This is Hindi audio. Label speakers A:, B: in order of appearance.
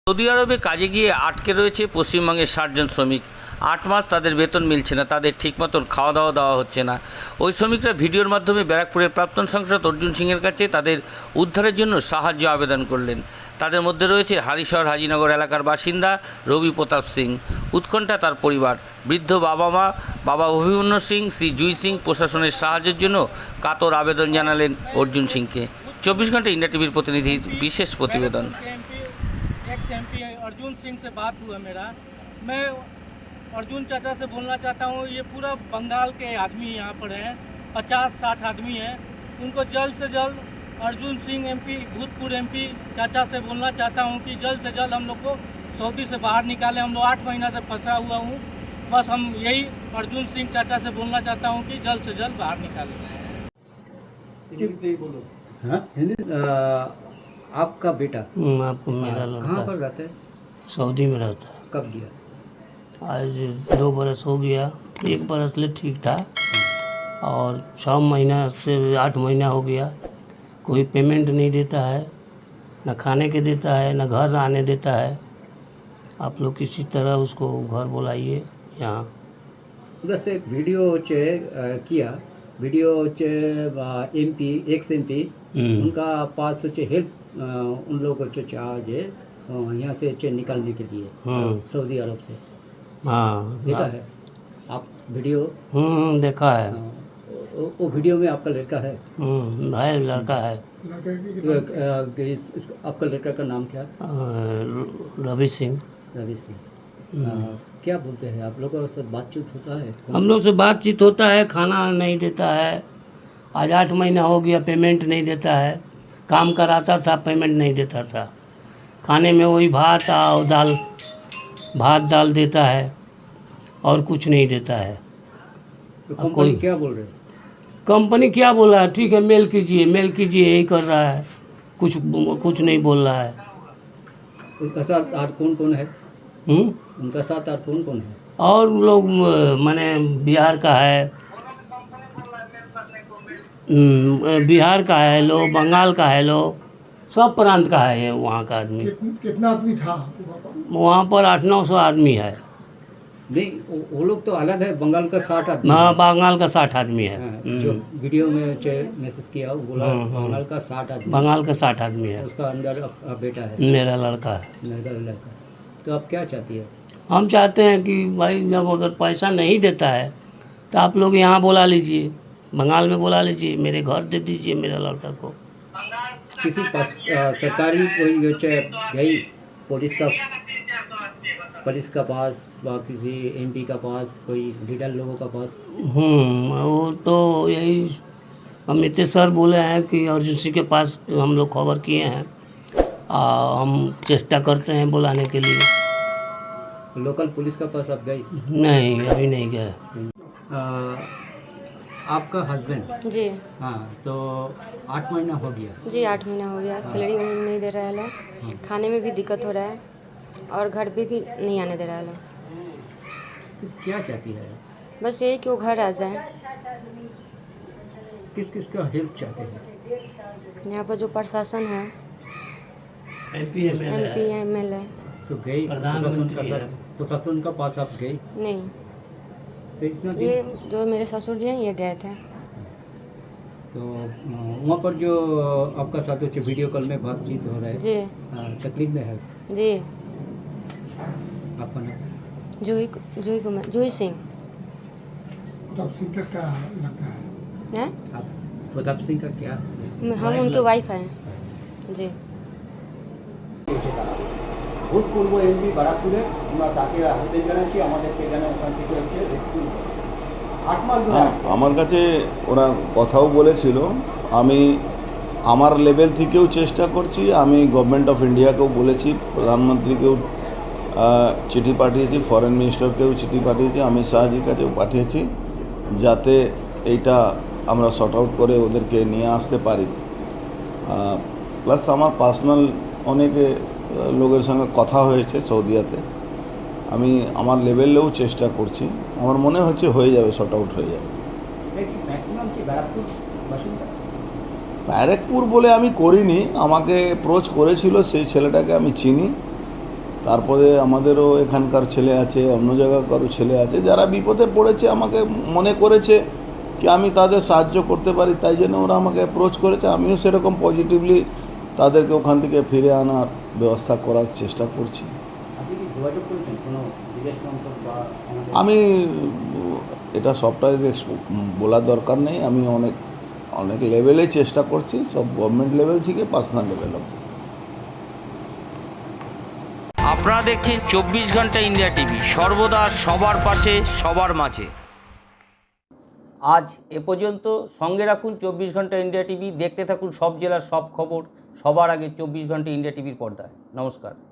A: সৌদি আরবে কাজে গিয়ে আটকে রয়েছে পশ্চিমবঙ্গের ৬০ জন শ্রমিক। ৮ মাস তাদের বেতন মিলছে না, তাদের ঠিকমতো খাওয়া দাওয়া দেওয়া হচ্ছে না। ওই শ্রমিকরা ভিডিওর মাধ্যমে ব্যারাকপুরের প্রাক্তন সাংসদ অর্জুন সিংয়ের কাছে তাদের উদ্ধারের জন্য সাহায্য আবেদন করলেন। তাদের মধ্যে রয়েছে হালিশহর হাজিনগর এলাকার বাসিন্দা রবি প্রতাপ সিং, উৎকণ্ঠা তার পরিবার, বৃদ্ধ বাবা মা, বাবা অভিমন্যু সিং, শ্রী জুই সিং প্রশাসনের সাহায্যের জন্য কাতর আবেদন জানালেন অর্জুন সিংকে। 24 ঘন্টা इंडिया टीवी प्रतिनिधिर विशेष प्रतिवेदन।
B: एक्स एमपी अर्जुन सिंह से बात हुआ मेरा। मैं अर्जुन चाचा से बोलना चाहता हूँ, ये पूरा बंगाल के आदमी यहाँ पर हैं, 50-60 आदमी हैं। उनको जल्द से जल्द अर्जुन सिंह एमपी, भूतपूर्व एमपी चाचा से बोलना चाहता हूँ कि जल्द से जल्द हम लोग को सऊदी से बाहर निकालें। हम लोग 8 महीना से फंसा हुआ हूँ। बस हम यही अर्जुन सिंह चाचा से बोलना चाहता हूँ कि जल्द से जल्द बाहर निकालें।
C: हाँ? आपका बेटा
D: आपको मेरा लड़का
C: कहाँ पर रहता है?
D: सऊदी में रहता है।
C: कब गया?
D: आज 2 बरस हो गया। 1 बरस ले ठीक था और 6 महीना से 8 महीना हो गया। कोई पेमेंट नहीं देता है, न खाने के देता है, न घर आने देता है। आप लोग किसी तरह उसको घर बुलाइए यहाँ।
C: उधर से एक वीडियो किया वीडियो एमपी एक्स एमपी उनका पास हेल्प उन लोग को चाहे यहाँ से निकालने के लिए सऊदी अरब से।
D: हाँ
C: देखा है आप वीडियो?
D: देखा है।
C: वो वीडियो में आपका लड़का है?
D: भाई लड़का है।
C: आपका लड़का का नाम क्या?
D: रवि सिंह।
C: रवि सिंह। क्या बोलते हैं आप लोगों से बातचीत होता है?
D: हम लोग से बातचीत होता है, खाना नहीं देता है। आज 8 महीना हो गया, पेमेंट नहीं देता है। काम कराता था, पेमेंट नहीं देता था। खाने में वही भात और दाल देता है और कुछ नहीं देता है।
C: तो कंपनी क्या बोल रहे हैं?
D: कंपनी क्या बोल रहा है? ठीक है, मेल कीजिए यही कर रहा है। कुछ नहीं बोल रहा है।
C: उसका साथ और कौन है? उनका साथ और कौन है?
D: और लोग माने बिहार का है, लोग बंगाल का है, लोग सब प्रांत का है। ये वहाँ का आदमी
E: कितना आदमी था
D: वहाँ पर? 800-900 आदमी है।
C: नहीं, वो लोग तो अलग है। बंगाल का 60 आदमी।
D: हाँ, बंगाल का 60 आदमी है।
C: जो वीडियो में मैसेज किया वो बोला बंगाल का 60 आदमी।
D: बंगाल का 60 आदमी है।
C: उसका अंदर बेटा है,
D: मेरा लड़का है।
C: मेरा लड़का। तो आप क्या चाहती है?
D: हम चाहते हैं कि भाई जब अगर पैसा नहीं देता है तो आप लोग यहाँ बुला लीजिए, बंगाल में बुला लीजिए, मेरे घर दे दीजिए मेरे लड़का को।
C: किसी पास सरकारी कोई गई पुलिस का पास व किसी एमपी का पास, कोई लीडर लोगों का पास?
D: वो तो यही अमित सर बोले हैं कि अर्जुन सिंह के पास हम लोग खबर किए हैं। हम चेष्टा करते हैं बुलाने के लिए।
C: लोकल पुलिस का पास आप गई?
D: नहीं, अभी नहीं गए।
C: आपका हस्बैंड?
F: जी
C: हाँ, तो 8 महीना हो गया?
F: जी 8 महीना हो गया। सैलरी नहीं दे रहा है, खाने में भी दिक्कत हो रहा है और घर पे भी नहीं आने दे रहा है।
C: तो क्या चाहती है?
F: बस यही कि वो घर आ जाए।
C: किस का हेल्प चाहते हैं?
F: यहाँ पर जो प्रशासन है,
D: MP MLA
C: तो गई प्रशासन का पास आप गई?
F: नहीं,
C: तो इतना
F: ये जो मेरे ससुर जी हैं ये गए थे।
C: तो वहाँ पर जो आपका साथ वीडियो कॉल में बातचीत हो रहा है
F: जी
C: तकलीफ में है?
F: जी
C: आपका नाम?
F: जूही सिंह
E: तब सिंह का क्या लगता है?
F: है।
C: आप प्रताप सिंह का क्या?
F: हम उनके वाइफ हैं जी।
C: ভূতপূর্ব এমপি বারাকপুরে আমরা তাকে আবেদন জানাচ্ছি আমাদেরকে যেন ওখান থেকে রেস্কিউ 8 মাস ধরে।
G: আমার কাছে ওরা কথাও বলেছিল। আমি আমার লেভেল থেকেও চেষ্টা করছি। আমি গভর্নমেন্ট অফ ইন্ডিয়াকেও বলেছি, প্রধানমন্ত্রীকেও চিঠি পাঠিয়েছি, ফরেন মিনিস্টারকেও চিঠি পাঠিয়েছি, অমিত শাহজির কাছেও পাঠিয়েছি, যাতে এইটা আমরা শর্ট আউট করে ওদেরকে নিয়ে আসতে পারি। প্লাস আমার পার্সোনাল অনেকে লোকের সঙ্গে কথা হয়েছে সৌদিয়াতে। আমি আমার লেভেলেও চেষ্টা করছি। আমার মনে হচ্ছে হয়ে যাবে, শর্ট আউট হয়ে যাবে।
C: ম্যাক্সিমাম কি ব্যারাকপুর বাসিন্দা?
G: ব্যারাকপুর বলে আমি করিনি, আমাকে অ্যাপ্রোচ করেছিল, সেই ছেলেটাকে আমি চিনি। তারপরে আমাদেরও এখানকার ছেলে আছে, অন্য জায়গাকারও ছেলে আছে, যারা বিপদে পড়েছে আমাকে মনে করেছে কি আমি তাদের সাহায্য করতে পারি, তাই জন্য ওরা আমাকে অ্যাপ্রোচ করেছে। আমিও সেরকম পজিটিভলি তাদেরকে ওখান থেকে ফিরে আনার ব্যবস্থা করার চেষ্টা করছি।
C: আপনি কি যোগাযোগ করেছেন কোনো বিদেশ মন্ত্রক বা আমাদের?
G: আমি এটা সবটাকে বলার দরকার নেই, আমি অনেক লেভেলেই চেষ্টা করছি, সব গভর্নমেন্ট লেভেল থেকে পার্সোনাল লেভেল অব্দি।
A: আপনারা দেখছেন 24 ঘন্টা ইন্ডিয়া টিভি, সর্বদা সবার পাশে সবার মাঝে। আজ এ পর্যন্ত। সঙ্গে রাখুন 24 ঘন্টা ইন্ডিয়া টিভি, দেখতে থাকুন সব জেলার সব খবর সবার আগে 24 ঘন্টা ইন্ডিয়া টিভির পর্দায়। নমস্কার।